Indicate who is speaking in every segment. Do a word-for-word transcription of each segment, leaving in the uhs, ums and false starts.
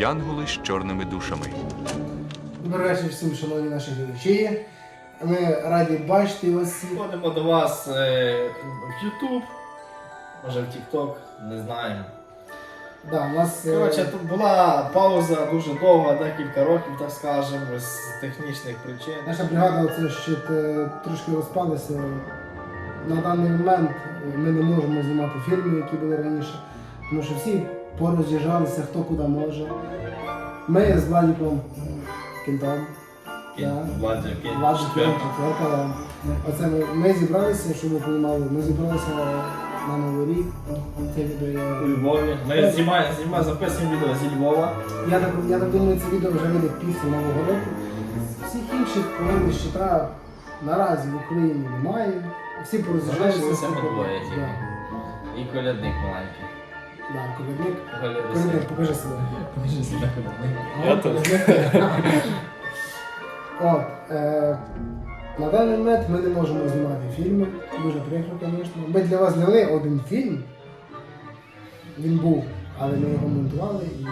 Speaker 1: янголи з чорними душами.
Speaker 2: Добрий вечір всім, шановні наші глядачі. Ми раді бачити вас всіх.
Speaker 3: Ходимо до вас е, в YouTube, може в TikTok, не знаємо.
Speaker 2: Да, у нас, е,
Speaker 3: Коротше, тут була пауза дуже довга, декілька років, так скажемо, з технічних причин.
Speaker 2: наша бригада оце ще е, трошки розпалася. На даний момент ми не можемо знімати фільми, які були раніше, тому що всі пороз'їжджалися, хто куди може. Ми з Владиком Кінтом.
Speaker 3: Кінь, Владик, Кінь,
Speaker 2: Владик
Speaker 3: четверка.
Speaker 2: четверка, да. Оце ми, ми зібралися, щоб ви розуміли, ми зібралися на Новий рік. Це відео я...
Speaker 3: У Львові. Ми знімаємо, знімаємо, записуємо відео зі Львова.
Speaker 2: Я так, я так думаю, це відео вже вийде після Нового року. Всіх інших повинних щита наразі в Україні немає. Всі пороз'їжджалися.
Speaker 3: Залишилися ми
Speaker 2: всі
Speaker 3: двоє
Speaker 2: по-
Speaker 3: тільки.
Speaker 2: Да.
Speaker 3: І колядник маленький.
Speaker 2: Да, колядник.
Speaker 3: Колядник.
Speaker 2: Колядник, покажи себе.
Speaker 3: Покажи себе колядник.
Speaker 2: О,
Speaker 3: Я тут.
Speaker 2: колядник. От, е, на даний момент ми не можемо знімати фільми. Дуже прикро, звісно. Ми для вас зняли один фільм. Він був, але ми його монтували і...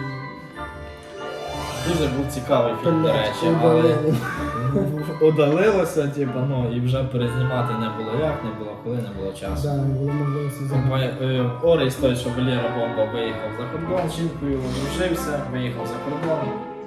Speaker 3: Дуже був цікавий фільм, до речі, але
Speaker 2: Удалили.
Speaker 3: удалилося, типу, ну, і вже перезнімати не було як, не було коли, не було часу.
Speaker 2: Да, не було можливості знімати.
Speaker 3: Е, Орис той, що Валера Бомба виїхав за кордон, з жінкою одружився, виїхав за кордон.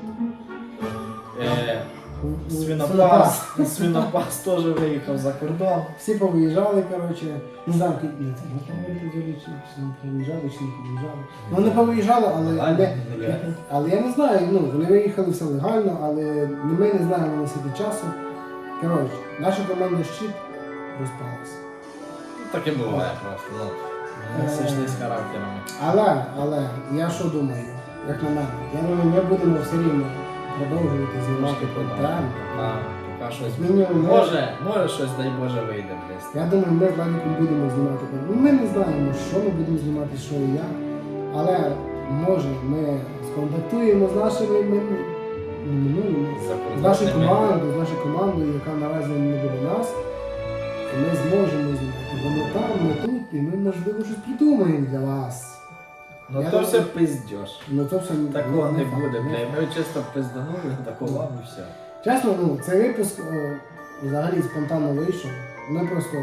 Speaker 3: Е, Свинопас, Свинопас теж виїхав за кордон.
Speaker 2: Всі повиїжджали, коротше, не знаю, ки- ні, це можна говорити взагалі, чи чи не повиїжджали, чи не повиїжджали. Ну вони повиїжджали, але, але, але я не знаю, ну, вони виїхали все легально, але ми не знаємо носити часу. Коротше, наша команда «Щит» розпалася.
Speaker 3: Таке буває просто, ну. Ми зійшли з характерами.
Speaker 2: Але, але, я що думаю, як на мене, я думаю, ми будемо все рівно продовжувати знімати контент.
Speaker 3: А, поки щось.
Speaker 2: Мінімум, ми-
Speaker 3: Може, може щось, дай Боже, вийде десь.
Speaker 2: Я думаю, ми з Владиком будемо знімати. Ну, ми не знаємо, що ми будемо знімати, що і як. Але може ми сконтактуємо з нашими ми- минулими, з нашою командою, з нашою командою, яка наразі не буде нас. І ми зможемо знімати. Вони там, ми тут, і ми можливо щось придумаємо для вас.
Speaker 3: Ну
Speaker 2: Я
Speaker 3: то
Speaker 2: думаю-
Speaker 3: все пиздєш.
Speaker 2: Ну це все
Speaker 3: Такого не
Speaker 2: факт.
Speaker 3: буде, бля. Ми чисто пизданули, такого і все.
Speaker 2: Чесно, ну, цей випуск е, взагалі спонтанно вийшов. Ми просто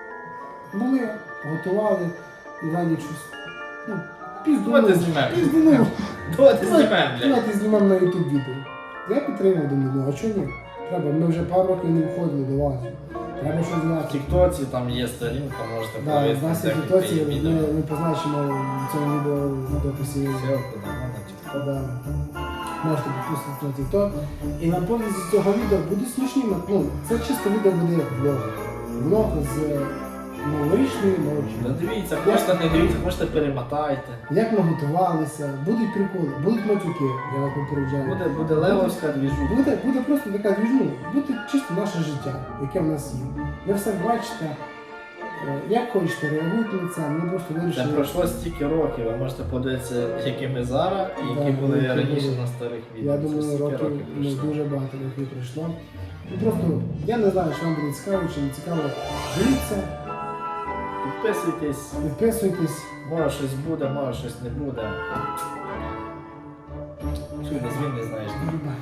Speaker 2: були, готували і далі щось. Ну,
Speaker 3: Давайте
Speaker 2: піздунули.
Speaker 3: знімемо.
Speaker 2: Піздунули.
Speaker 3: Давайте знімемо, бля.
Speaker 2: Давайте знімемо на YouTube відео. Я підтримав, думаю, ну а чого ні? Треба, ми вже пару років не виходили до вас. Треба щось
Speaker 3: В
Speaker 2: зняти.
Speaker 3: Тіктоці там є сторінка, можете
Speaker 2: Да, в
Speaker 3: повісти
Speaker 2: нас є
Speaker 3: декілька
Speaker 2: ситуації, ми,
Speaker 3: відео.
Speaker 2: ми позначимо в цьому відео в дописі.
Speaker 3: Ссылку дамо на Тікток.
Speaker 2: Да. Можете підписатися на TikTok. І на повністю з цього відео буде смішні, ну, це чисто відео буде як влог. Влог з новорічної ночі.
Speaker 3: Да дивіться, хочете не дивіться, хочете перемотайте.
Speaker 2: Як ми готувалися, будуть приколи, будуть матюки, я вас попереджаю.
Speaker 3: Буде, буде левовська двіжуха.
Speaker 2: Буде, буде просто така двіжня, буде чисто наше життя, яке в нас є. Ви все бачите, е, як хочете, реагуйте на це, ми просто
Speaker 3: Це
Speaker 2: вирішили.
Speaker 3: пройшло стільки років, ви можете подивитися, які ми зараз і які
Speaker 2: Да,
Speaker 3: були
Speaker 2: які
Speaker 3: раніше
Speaker 2: були.
Speaker 3: на старих відео.
Speaker 2: Я
Speaker 3: Це
Speaker 2: думаю,
Speaker 3: стільки
Speaker 2: років ну,
Speaker 3: пройшло.
Speaker 2: дуже багато років пройшло. І просто, я не знаю, що вам буде цікаво, чи не цікаво. Дивіться,
Speaker 3: Підписуйтесь,
Speaker 2: підписуйтесь.
Speaker 3: може щось буде, може щось не буде. Що не звін не знаєш.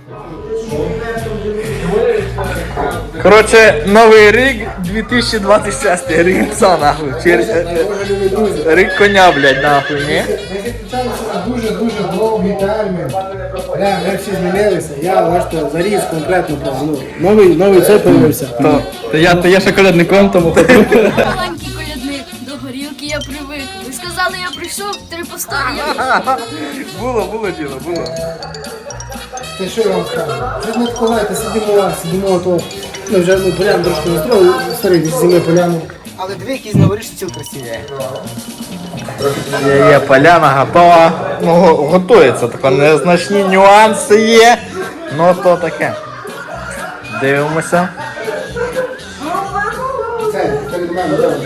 Speaker 4: Коротше, новий рік дві тисячі двадцять шостий, рік пса нахуй. Чи
Speaker 2: Любі друзі,
Speaker 4: рік коня, блядь, нахуй, ні?
Speaker 2: ми підключалися на дуже-дуже довгий термін. Бля, ми всі змінилися. Я, бачите, заріс конкретно прям, ну, новий, новий цей появився.
Speaker 4: То, то я, то я ще колядником тому ходжу.
Speaker 5: Маленький колядник, до горілки я привик. Ви сказали, я прийшов, три постави я прийшов.
Speaker 4: Було, було діло, було.
Speaker 2: Та що я вам скажу? Щось не відкладайте, сидимо, сидимо, то ми вже ну, поляну трошки настроїли, старий зими поляну. Але дві якісь новорічні ціл красиві.
Speaker 4: Є, є, поляна готова. Ну, го- готується, тако незначні нюанси є. Ну, то таке. Дивимося.
Speaker 2: Це, це від мене, так.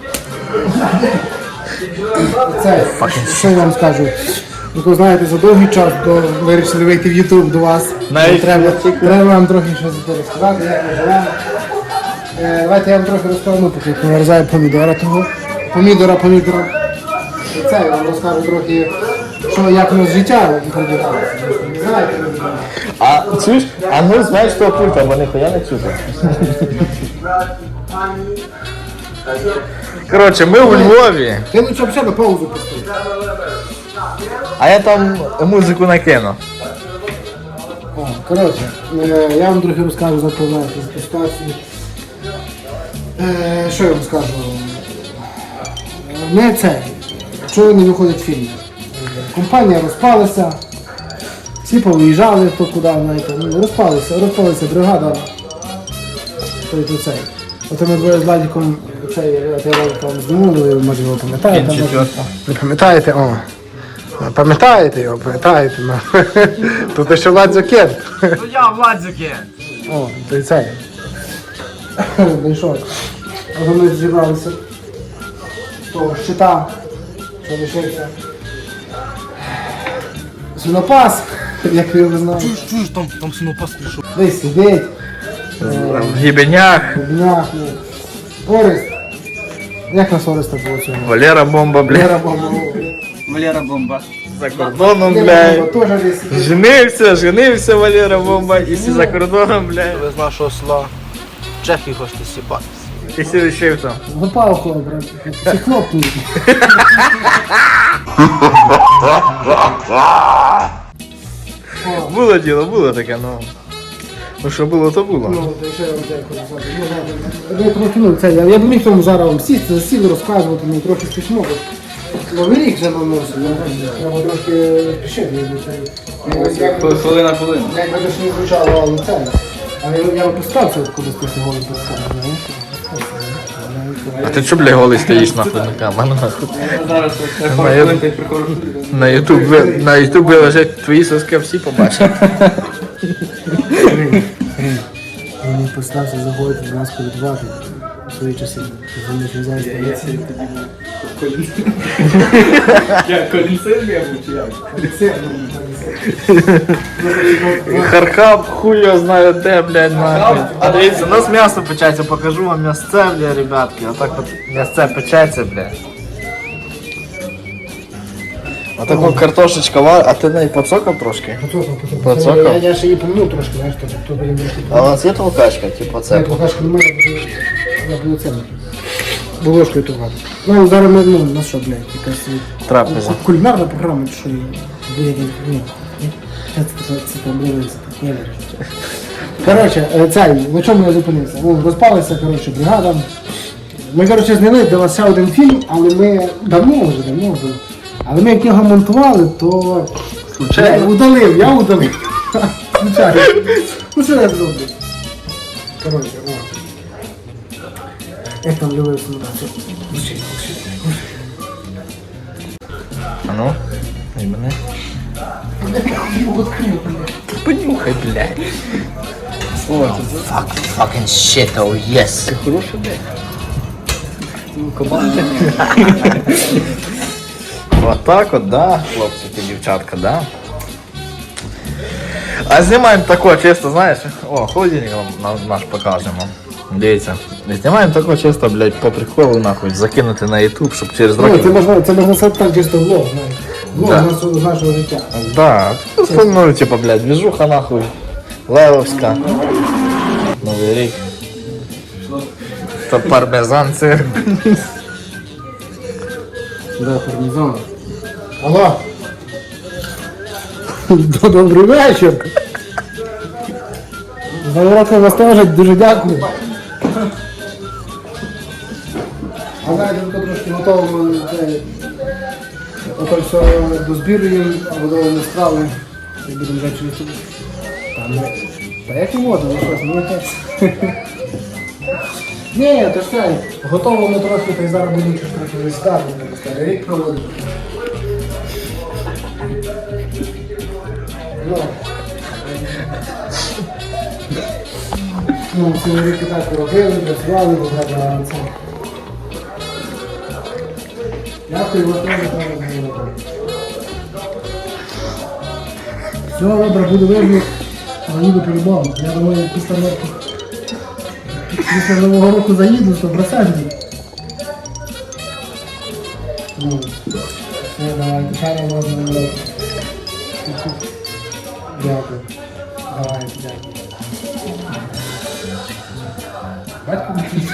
Speaker 2: Це, що я вам скажу? Ну, то знаєте, за довгий час до вирішили вийти в YouTube до вас.
Speaker 4: Навіть
Speaker 2: треба, треба вам трохи щось розказати, як ми живемо. Е, давайте я вам трохи розкажу, ну, поки померзаю помідора того. Помідора, помідора. І це я вам розкажу трохи, що як у нас життя продвигалося. Не знаєте, не знаєте.
Speaker 4: А чуєш? А ну знаєш того пульта, бо ніхуя не чути. Коротше, ми у Львові,
Speaker 2: Ти лучше взагалі на паузу поставив.
Speaker 4: а я там музику накину.
Speaker 2: О, коротше, е, я вам трохи розкажу за про нашу ситуацію. Е, Що я вам скажу? Не це. Чого не виходить фільм? Компанія розпалася, всі повиїжджали хто куди, знаєте, ну, розпалися, розпалася бригада. Той, то цей. Ото ми двоє з Владиком цей ролик вам знімали, ви може його пам'ятаєте.
Speaker 3: Кінь
Speaker 2: може-
Speaker 3: четверта.
Speaker 2: Ви пам'ятаєте? О. Пам'ятаєте його, пам'ятаєте? Ну. Тут ще Владзо Кент.
Speaker 3: Ну я Владзюки!
Speaker 2: О, то й цей. Ну і що? От ми зібралися з того щита, що лишився. Свинопас, як ви його знаєте.
Speaker 3: Чуєш, чуєш, там, там свинопас прийшов.
Speaker 2: Десь сидить,
Speaker 4: В гібенях,
Speaker 2: в днях, ну. Орест. Як нас Ореста було цього?
Speaker 4: Валера бомба, бля.
Speaker 2: Лера Баба.
Speaker 3: Валера бомба.
Speaker 4: За кордоном,
Speaker 2: Лера
Speaker 4: бля.
Speaker 2: Баба теж десь сидить.
Speaker 4: Женився, женився Валера бомба, і всі за кордоном, бля.
Speaker 6: Ви з нашого села в Чехії хочете сіпатися.
Speaker 4: І всі лишився.
Speaker 2: Запав хлоп, ці хлопці.
Speaker 4: Було діло, було таке, ну. Ну що було, то було.
Speaker 2: Ну, то ще я вам дякую за це. Ну, ладно. Я трохи, ну, це, я, я б міг вам зараз вам сісти, сіли розказувати, ну, трохи смішно, бо Новий рік вже наносив, треба трохи пішити, якби це.
Speaker 3: Хвилина хвилина.
Speaker 2: Якби це ж не звучало, але це. Але я, я постався кудись трохи голим поставив, знаєш.
Speaker 4: А ти чо, бля, голий стоїш нахуй на камеру, нахуй?
Speaker 3: Зараз я
Speaker 4: На
Speaker 3: пару
Speaker 4: ю-
Speaker 3: хвилин та й приходжу.
Speaker 4: На ютуб, ви- на ютуб виложать твої соски, всі побачать.
Speaker 2: Я не постався заходити до нас колядувати в свої часи. Вони ж не знають, що
Speaker 3: Я тоді був колін. Я колінцем я був чи як?
Speaker 4: Хархаб, хуй його знає де, блядь, нахуй. А дивіться, у нас м'ясо печеться, покажу вам м'ясце, бля, ребятки. Отак от м'ясце печеться, бля. Отаку картошечка вар, а ти неї поцокав трошки? Поцокав?
Speaker 2: Я, я ще її помню трошки, знаєш, то, то потім трошки.
Speaker 4: А у нас є толкачка, типу
Speaker 2: Це
Speaker 4: це?
Speaker 2: покажка немає, я буду це. Бо ложкою тургати. Ну, зараз ми, ну, на що, блядь, якась
Speaker 4: Трапеза.
Speaker 2: кулінарна програма, чи що її. Блядь, ні. Це це це там дивиться. Ні, ні. Коротше, е, цей, на чому я зупинився? Ну, розпалася, коротше, бригада. Ми, коротше, зняли для вас ще один фільм, але ми давно вже, давно вже. Але ми як його монтували, то я удалив, я удалив. Звичайно. Ну що я зроблю? Коротше, о. Як там любив сумрачок.
Speaker 4: А ну, і мене. Понюхай, блядь.
Speaker 6: Fuck, fucking shit, oh yes.
Speaker 4: Хороший, блядь. Вот так от, да, хлопці та дівчатка, да. А знімаємо тако чисто, знаєш, о, холодильник вам на- наш покажемо. Дивіться, знімаємо тако чисто, блядь, по приколу нахуй, закинути на ютуб, щоб через
Speaker 2: Ну, це
Speaker 4: роки...
Speaker 2: можна, це можна сказати так чисто влог, знаєш. Влог
Speaker 4: Да.
Speaker 2: з нашого, з нашого життя.
Speaker 4: Да, ну, типа, блядь, движуха нахуй, левовська, Новий рік. То пармезан сир.
Speaker 2: Да, пармезан. Алло. Добрий вечір. За уроком вас теж дуже дякую. А знаєте, тут трошки готово це, ото все дозбірюємо, готові страви. І будемо вже через тут. Та, ну, та як і воду, ну щось, ну якесь. Ні, то ж це, готово ми трошки, та й зараз будемо щось трохи вискати, старий рік проводити. Ну, ну, цілий рік і так робили, працювали, бо треба це. Дякую, вас теж треба зробити. Все, добре, буду видно, заїду по-любому. Я думаю, після року. Після Нового року заїду, сто відсотків. Ну, Все, давайте, ще раз можна робити. Дякую. Давайте, дякую. Батько мій.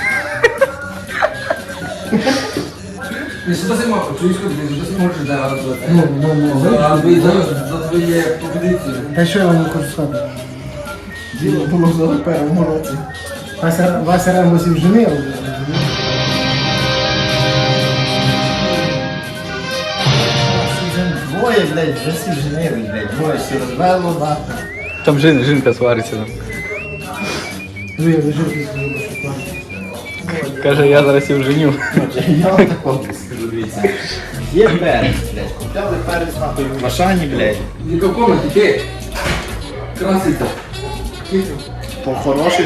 Speaker 7: Ти що ти мав, чуєш, ти що ти можеш зараз
Speaker 2: Ну, ну, ну.
Speaker 7: за твої за твої пропозиції.
Speaker 2: Та що я вам хочу сказати?
Speaker 3: Діло було в першому році.
Speaker 2: Вася, Вася Рембусів женив вже, розумієш?
Speaker 4: Двоє, блядь, вже всі женили, блядь, двоє всі розвело, нахуй.
Speaker 1: Там жін, жінка свариться. Там.
Speaker 2: Ну, я лежу після шукаю.
Speaker 1: Каже, я зараз їх женю.
Speaker 4: Я вам такого скажу, дивіться. Є перець, блядь, купляли перець, нахуй, в Машані, блядь.
Speaker 7: В якому ти? Краситься.
Speaker 4: По хороших...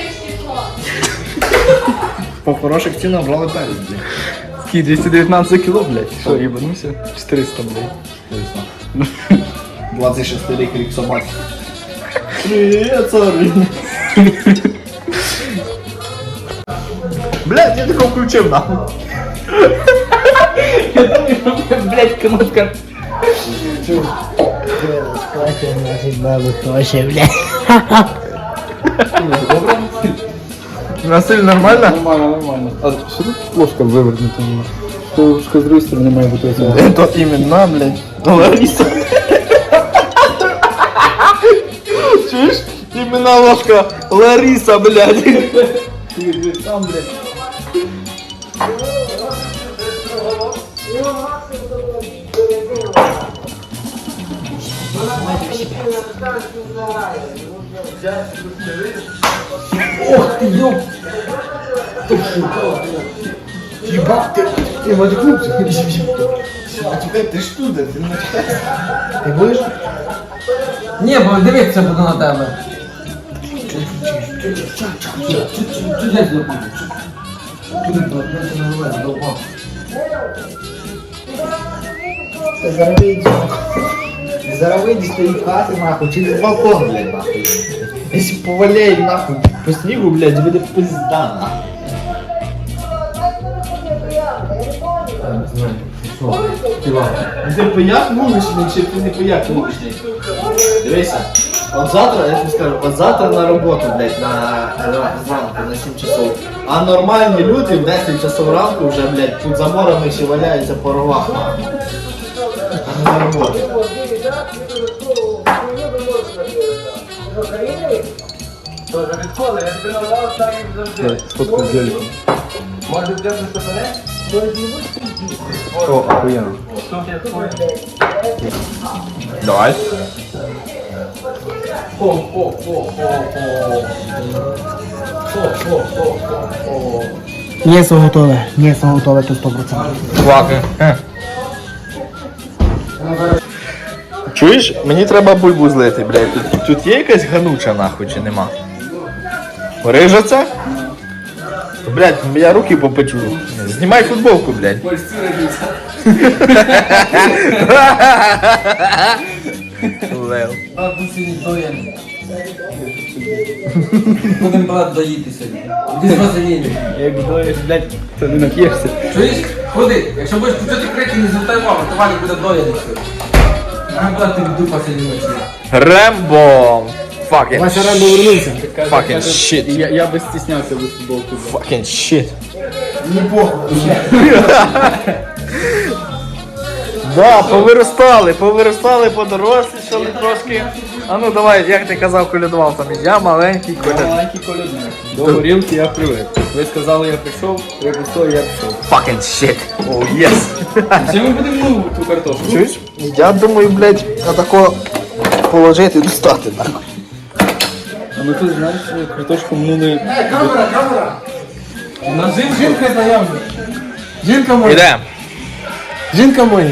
Speaker 4: По хороших цінах брали перець, блядь.
Speaker 1: Такий двісті дев'ятнадцять кіло, блядь. Що, їбанувся? чотириста, блядь.
Speaker 4: двадцять шостий рік, рік собаки. Привіт, сорі. Блядь, я такого включив, нахуй.
Speaker 6: Блять, кнопка.
Speaker 4: Насиль нормально?
Speaker 1: Нормально, нормально. А що тут ложка вивернута? Ложка з другої сторони має бути оця.
Speaker 4: Это именно, блядь, Лариса. Чуешь? Именно ложка Лариса, блядь.
Speaker 3: Там, блядь.
Speaker 2: Єбать, ти, ти матюкнувся.
Speaker 4: А теперь ты что, да? Ты
Speaker 2: Ти будеш?
Speaker 7: Ні, бо дивитися буду на тебе. Чудець допомогу.
Speaker 4: Ты зараз выйдешь. Ты зараз выйдешь, стоит в хате, нахуй, через балкон, блядь, нахуй. Если поваляет, нахуй, по снегу, блядь, будет пизда, нахуй. Ну ти пияк вуличний, чи ти не пияк вуличний? Дивися, от завтра, я тобі скажу, от завтра на роботу, блядь, на зранку, на сім часов. А нормальні люди в десять часов ранку вже, блядь, тут за морами ще валяються по ровах. А не на роботу.
Speaker 1: Сфоткаю з великом.
Speaker 7: Може взяти мене?
Speaker 1: О, охуєнно. Давай.
Speaker 2: М'ясо готове. М'ясо готове, то сто процентів.
Speaker 4: Кваки. Чуєш, мені треба бульбу злити, блядь. Тут, тут є якась гануча нахуй чи нема? Рижа це? То, блядь, я руки попечу. Знімай футболку, блядь.
Speaker 7: Польські родиться.
Speaker 4: Лев.
Speaker 7: А тут сьогодні доєн. Будемо брат доїти сьогодні. Іди з вазеліни.
Speaker 1: Як доїш, блядь, то не нап'єшся.
Speaker 7: Чуєш? Ходи, якщо будеш почути крики, не звертай увагу, то Валік буде доїти сьогодні. А брат, ти в дупа сьогодні ночі.
Speaker 4: Рембо. Fucking
Speaker 2: Вася Рембо вернувся.
Speaker 4: Fucking shit.
Speaker 1: Я, я би стіснявся без футболки.
Speaker 4: Fucking shit.
Speaker 2: Не похуй.
Speaker 4: Да, повиростали, повиростали, подорослішали трошки. А ну давай, як ти казав, колядував там. Я маленький коляд.
Speaker 1: Маленький колядник. До горілки я привик. Ви сказали, я прийшов, ви пішов, я пішов.
Speaker 4: Fucking shit. Oh yes.
Speaker 1: Чи ми будемо ну, ту картошку?
Speaker 4: Чуєш? Я думаю, блядь, отако положити і достати нахуй.
Speaker 1: А ми тут, знаєш, картошку минули...
Speaker 2: Камера, камера.
Speaker 7: Нажив
Speaker 2: Жінка знайома. Жінка моя.
Speaker 4: Ідемо.
Speaker 2: Жінка моя.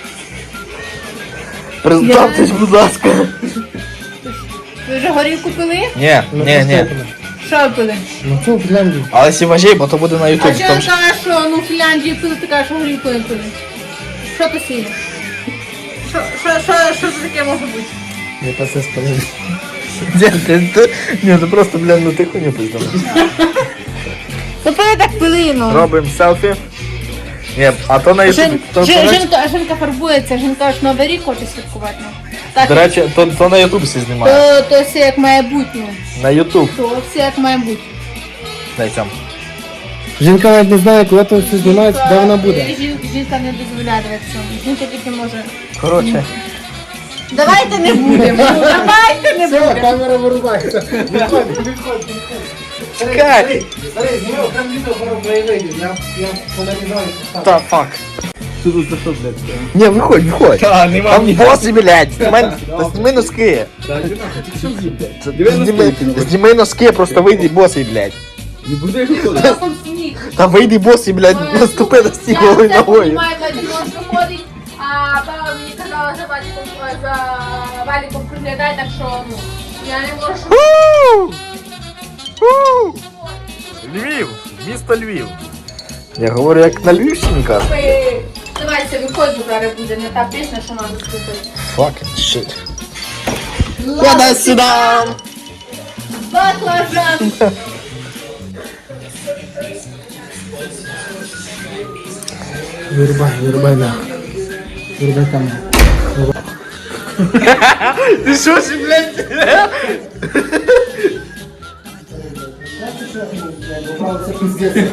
Speaker 4: Представтесь, будь ласка.
Speaker 8: Ви вже горілку пили?
Speaker 4: Ні, ні, ні.
Speaker 8: Що пили?
Speaker 2: Ну що, Фінляндію?
Speaker 4: Але сіважей, бо то буде на
Speaker 8: А
Speaker 4: ютубі.
Speaker 8: що
Speaker 4: Там
Speaker 8: ти
Speaker 4: ж...
Speaker 8: кажеш, що ну в Фінляндії пили, ти кажеш, що горілку не пили? Що то сіє? Що, що, що, що це таке може бути?
Speaker 2: Я та все спалив.
Speaker 4: Ні, ти, ти, ні, ти просто, блядь, ну ти хуйню пиздав.
Speaker 8: То пили так пили, ну.
Speaker 4: Робимо селфі.
Speaker 1: Ні, а то на
Speaker 8: Жін,
Speaker 1: ютубі. То,
Speaker 8: Жін-
Speaker 1: то, на-
Speaker 8: жінка, жінка фарбується, жінка аж Новий рік хоче святкувати. Ну. Так,
Speaker 1: До речі, то, то на ютуб всі знімає.
Speaker 8: то, то все як має бути, ну.
Speaker 1: На ютуб.
Speaker 8: То все як має бути.
Speaker 1: Дай цьому.
Speaker 2: Жінка навіть не знає, коли то все знімається, де вона буде.
Speaker 8: Жін- Жінка не дозволяє дивитися. Жінка тільки може.
Speaker 1: Коротше.
Speaker 8: Давайте не будемо. Давайте не
Speaker 2: Все,
Speaker 8: будемо.
Speaker 2: камера вирубається. Відходь, відходь.
Speaker 1: Чекай!
Speaker 2: Старий, зніми окремо відео пару краєвидів. Я, я поляризую.
Speaker 1: Та, фак.
Speaker 3: Тут за що, блядь?
Speaker 1: Ні, виходь, виходь.
Speaker 3: Та, нема
Speaker 1: Там
Speaker 3: ні.
Speaker 1: боси, блядь. Знімай, та зніми носки.
Speaker 3: Та, йди нахуй, ти що з'їв, блядь?
Speaker 1: Зніми, зніми носки, просто вийди босий, блядь.
Speaker 3: Не будеш виходити.
Speaker 8: Там сніг.
Speaker 1: Та вийди босий, блядь, наступи на стіл голою ногою.
Speaker 8: Я Вадик виходить, а баба мені казала за Валіком, за Валіком приглядай, так що, ну, я не можу.
Speaker 1: Фу! Фу! Львів, місто Львів. Я говорю, як на Львівщині кажу.
Speaker 8: Ви- Давайте, виходь, бо зараз буде не та пісня, що треба слухати.
Speaker 1: Fucking shit.
Speaker 8: Лада сюда! Баклажан!
Speaker 2: Вирубай, вирубай, да. Вирубай камеру.
Speaker 1: Ти що ж, блядь?
Speaker 2: Це пиздец.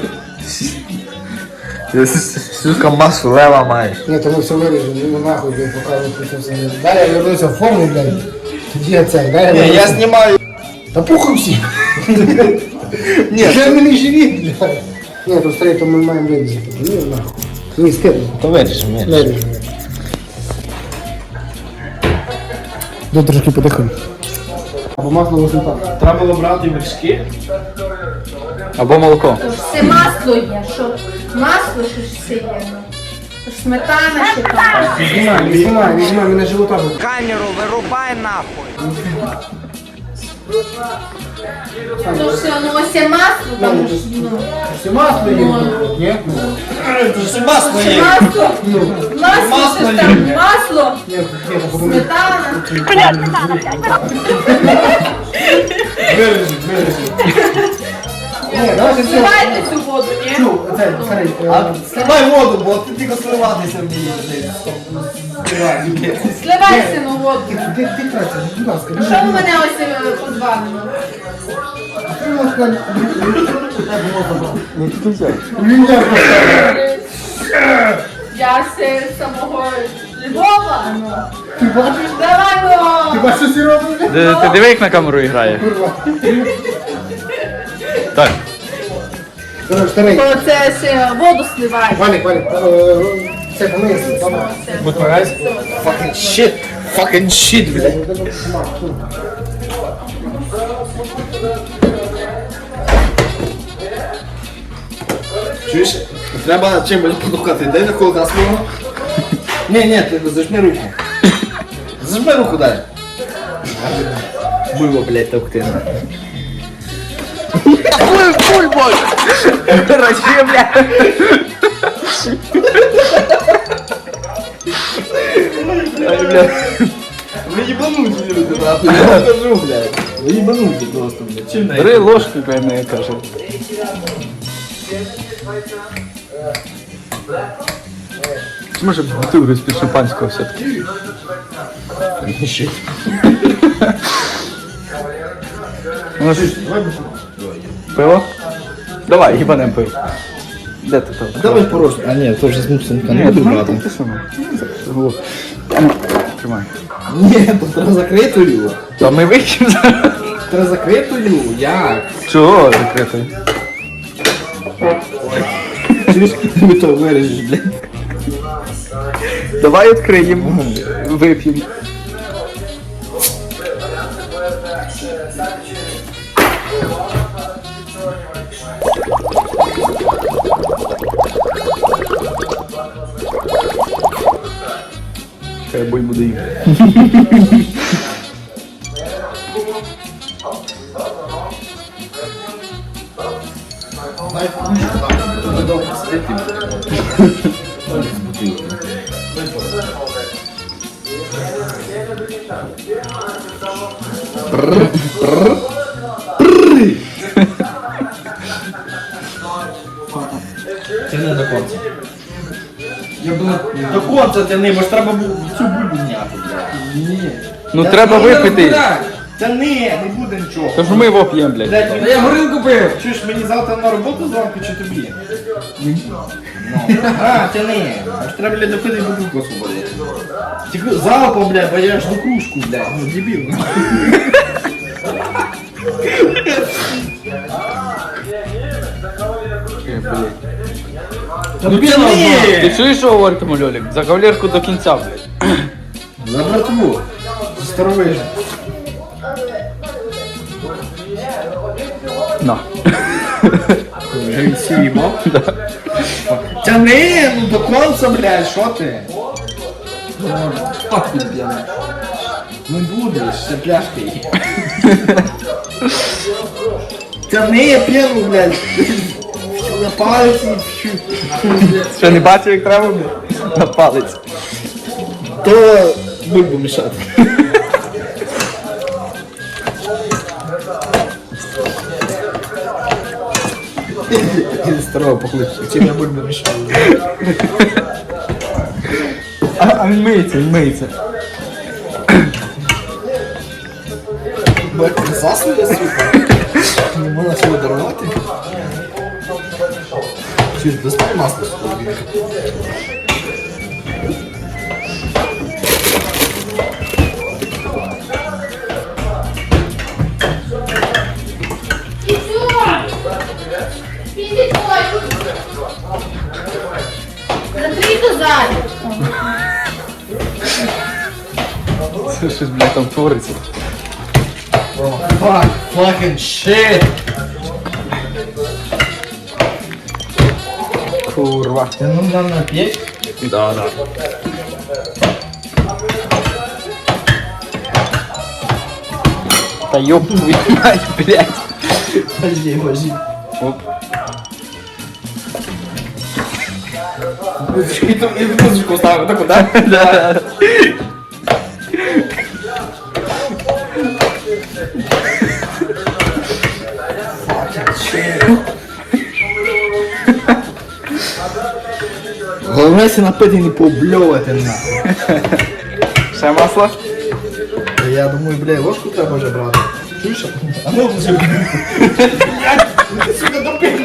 Speaker 1: Сука, масу лева маєш.
Speaker 2: Ні, то ми все виріжемо, ну нахуй, блядь, показувати все все. Дай я вернуся в форму, блядь. Тоді я цей, дай я
Speaker 1: Ні, я
Speaker 2: вернуся.
Speaker 1: знімаю.
Speaker 2: Та похуй всі.
Speaker 1: Ні,
Speaker 2: Вже мені живі, блядь. Ні, то старий, то ми маємо вирізати. Ні, нахуй. Ні, скидно.
Speaker 1: то виріжемо, ні.
Speaker 2: Виріжемо. Дай трошки подихаємо. Або масло восьмита.
Speaker 3: Треба було брати вершки.
Speaker 1: Або молоко.
Speaker 8: То ж все масло є, що масло, що ж все є. ну. То ж сметана ще там.
Speaker 2: Знімай, знімай, знімай, мене живота буде.
Speaker 1: Камеру вирубай нахуй.
Speaker 8: То ж все, ну ось є масло, там ж, ну.
Speaker 2: Все масло є? Ні?
Speaker 3: Це масло
Speaker 8: Ще масло, масло, це ж там масло,
Speaker 2: Ні, ні, походу.
Speaker 8: сметана.
Speaker 2: Виріжи, виріжи. Ні, давайте все.
Speaker 8: Зливайте цю воду, ні?
Speaker 2: Чу, оцей, старий. е,
Speaker 4: Сливай воду, бо ти тільки сливатися вмієш.
Speaker 8: Зливай сину воду.
Speaker 2: Ти, ти, ти краще, будь ласка.
Speaker 8: Що ви мене ось е, позвали? ну?
Speaker 2: Ти, будь ласка,
Speaker 8: Я з самого Львова, ну.
Speaker 2: Ти бачиш?
Speaker 8: Давай,
Speaker 2: Ти
Speaker 8: ну.
Speaker 2: бачиш, що всі роблять?
Speaker 1: Ти диви, як на камеру грає.
Speaker 2: Курва.
Speaker 1: Так.
Speaker 2: Короче, старий.
Speaker 8: То це ще воду сливай.
Speaker 2: Валік, Валік, е, це помисли, добре.
Speaker 1: Fucking shit. Fucking shit, блядь.
Speaker 4: Чуєш? Треба чимось подухати. Дай на кулака свого. Ні, ні, ти зажми руку. Зажми руку дай.
Speaker 1: Було, блядь, товкти. Хуй, хуй, бой! Короче, блядь. Ай, блядь.
Speaker 4: Ви їбануті, люди, нахуй. Я вам кажу, блядь. Ви їбануті просто, блядь. Чим
Speaker 1: Бери ложку, блядь, не каже. Може бутылку из-під шампанського все-таки. Ну, ж- Пиво? Давай, їбанем пиво. Де ти там?
Speaker 4: Давай порожньо. А ні, то вже з мусинка не буду брати.
Speaker 1: ти що? Ну, тримай.
Speaker 4: Ні, то треба закрити його.
Speaker 1: Та ми вийдемо зараз.
Speaker 4: Треба закрити його. Як?
Speaker 1: Чого закритий?
Speaker 4: Чуєш, ми то виріжеш, блядь.
Speaker 1: Давай відкриємо, вип'ємо. Хай бой буде їхати.
Speaker 3: Це не до конца.
Speaker 4: конца тяни, бо ж треба було цю бульбу зняти, блядь. Ні.
Speaker 6: Ну треба випити.
Speaker 4: Тяни, не буде нічого.
Speaker 6: Тож ми його п'ємо, блядь.
Speaker 4: Блядь,
Speaker 7: Та я горілку пив.
Speaker 4: чуєш, мені завтра на роботу зранку чи тобі? Ну. А, тяни. Аж треба, блядь, допити бутилку освободити. Тільки залпом, блядь, бо я ж до кружку, блядь, ну дебіл. Ну тяни!
Speaker 6: Ти чуєш, що говорить йому Льолік? За кавалерку до кінця, блядь.
Speaker 4: За братву. За старовижу.
Speaker 6: На.
Speaker 4: Вже він сіїбав? Тяни, ну до конца, блядь, що ти? Фак підб'яне. Не будеш, ще пляшки є. Тяни п'яну, блядь. На пальці.
Speaker 6: Що, не бачив, як треба, блядь? На палець.
Speaker 4: То бульбу мішати. Із старого похлипчика. Чим я бульбу мішаю?
Speaker 6: А, а він миється, він миється.
Speaker 4: Бать, не заснує, сука. Не можна цього дарувати. Чи ж достань масло з холодильника?
Speaker 8: І все! Підіть ой! Закрийте ззаді!
Speaker 6: Це щось, блядь, там твориться.
Speaker 4: Fuck, fucking shit!
Speaker 6: Курва.
Speaker 4: Ти ну нам нап'єш?
Speaker 6: Да, да. Та ёб твою мать, блядь.
Speaker 4: Подожди, подожди.
Speaker 6: Оп.
Speaker 4: І тут і музичку ставимо, так, да?
Speaker 6: Да.
Speaker 4: Головне си напити не побльовати на.
Speaker 6: Ще масло?
Speaker 4: Я думаю, бля, ложку треба вже брати. Чуєш? А ну вже. Блядь, ти сука допив.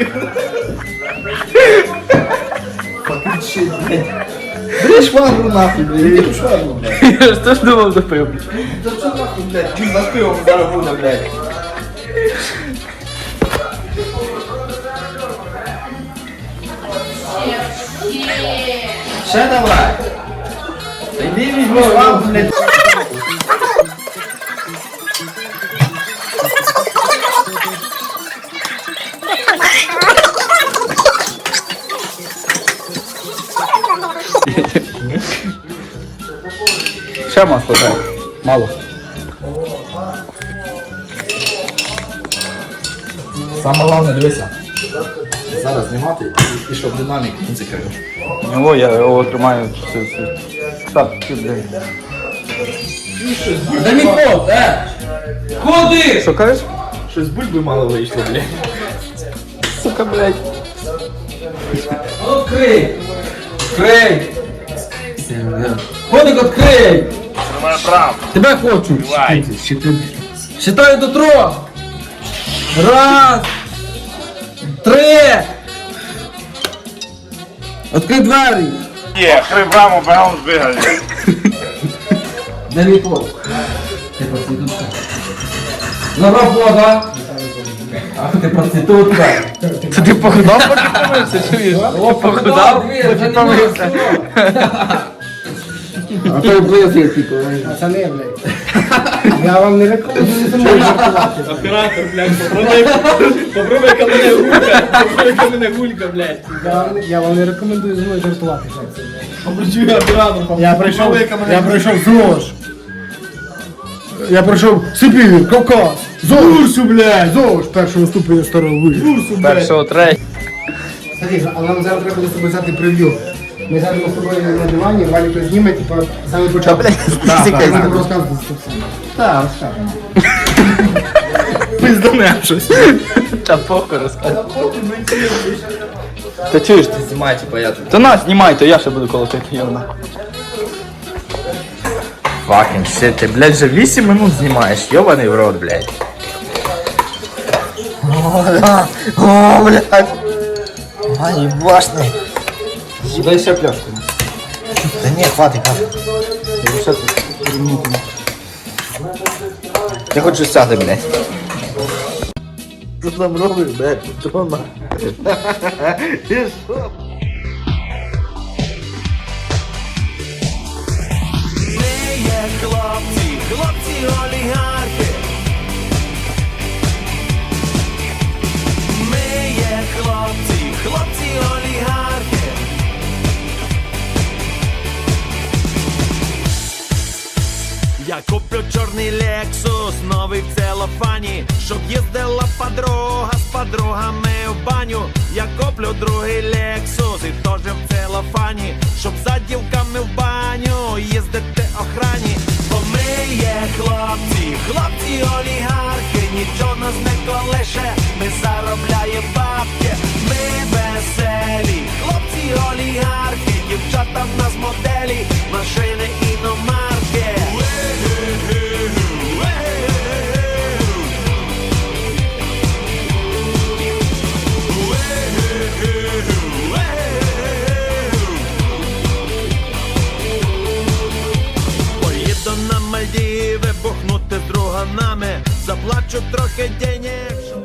Speaker 4: Fucking shit, блядь. Бери швагру нахуй, блядь. Бери швагру, блядь.
Speaker 6: Я ж теж думав допив, блядь.
Speaker 4: Та що нахуй, блядь? Він за пивом зараз буде, блядь. Ще давай. Та йди візьми швагру, блядь.
Speaker 6: Ще масло, дай. Мало.
Speaker 4: Саме головне, дивися. Зараз знімати і, і щоб динамік не закрив.
Speaker 6: О, я його тримаю. Все, все. Так, ти, блядь.
Speaker 7: Дай мій код, е! Ходи!
Speaker 6: Що кажеш?
Speaker 4: Щось бульби мало вийшло, блядь.
Speaker 6: Сука, блядь.
Speaker 7: Ну, відкрий! Відкрий! Ходик, відкрий! Тебе хочу! Считаю до трьох! Раз! Три! Відкрий двері!
Speaker 1: Є, крив раму, бегом збігали.
Speaker 7: Де мій код? Ти проститутка. На робота! Ах, ти проститутка!
Speaker 6: Це ти похудав, поки помився, чуєш? О, похудав, поки помився.
Speaker 7: А то близько, типу.
Speaker 2: Пацани, блядь. Я вам не рекомендую зі мною жартувати.
Speaker 3: Оператор, блядь, попробуй, попробуй ка мене гулька, попробуй ка мене гулька, блядь.
Speaker 2: Я вам- Я вам не рекомендую зі мною жартувати, хлопці.
Speaker 3: Обручуй оператор.
Speaker 2: Я прийшов, я прийшов ЗОЖ. Я прийшов Сибір, Кавказ, ЗОЖ, блядь, ЗОЖ, першого ступеня старого вишу.
Speaker 6: Першого, третього.
Speaker 2: Смотри, а нам зараз треба буде з тобою взяти прев'ю. Ми зараз з тобою на дивані, Валік зніме, типа, саме початку. Так, так, так, розказувати це все. Так, розказуємо.
Speaker 6: Пизданем щось. Та похуй розказуй. Та чуєш ти?
Speaker 4: Знімай, типа я тут.
Speaker 6: Та на, знімай, то я ще буду колотити його.
Speaker 1: Fucking shit, ти, блядь, вже вісім минут знімаєш, йобаний в рот, блядь. О, да. О, блядь. А, ебашный.
Speaker 6: Дай ще пляшку.
Speaker 1: Да не, хватит, хватит. Я хочу сяти, блядь. Що там робиш, блядь, Патрона? І що?
Speaker 9: Ми є хлопці, хлопці олігархи. Ми є хлопці, хлопці олігархи. Я куплю чорний Лексус, новий в целофані, щоб їздила подруга з подругами в баню. Я куплю другий Лексус і теж в целофані, щоб за дівками в баню їздити охрані. Бо ми є хлопці, хлопці олігархи, нічого нас не колише, ми заробляємо бабки. Ми веселі, хлопці олігархи, дівчата в нас моделі, машини іномарки. Поїду на Мальдіви, бухнути з друганами, заплачу трохи денег, щоб...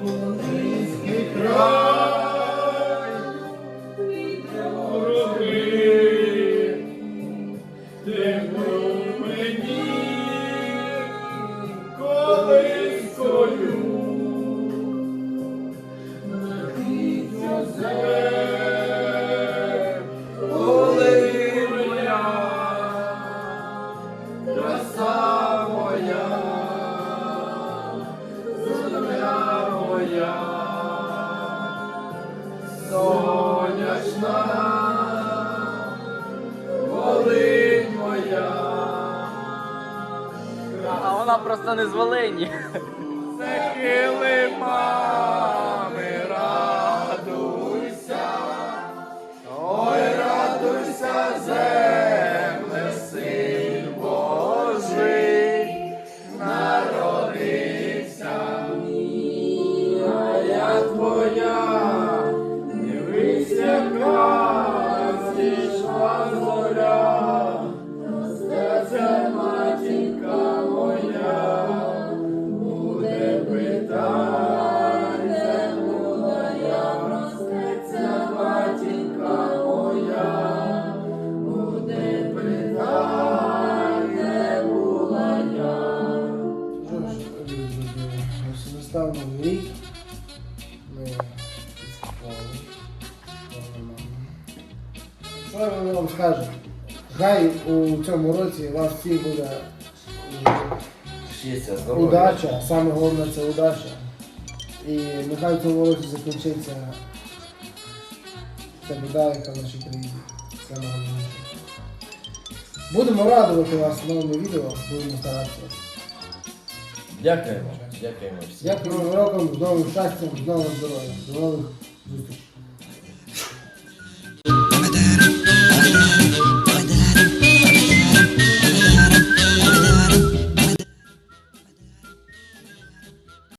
Speaker 6: А вона просто не з Волині.
Speaker 2: Настав новий рік. Ми відсвяткували. Що я вам скажу? Хай у цьому році у вас всіх буде
Speaker 4: Щастя, здоров'я.
Speaker 2: удача, саме головне це удача. І нехай в цьому році закінчиться ця біда, яка в нашій країні. Це найголовніше. Будемо радувати вас новими відео, будемо старатися.
Speaker 4: Дякуємо. Дякуємо всім.
Speaker 2: Дякую, новим роком, з новим щастям, з новим здоров'ям. До нових зустрічей.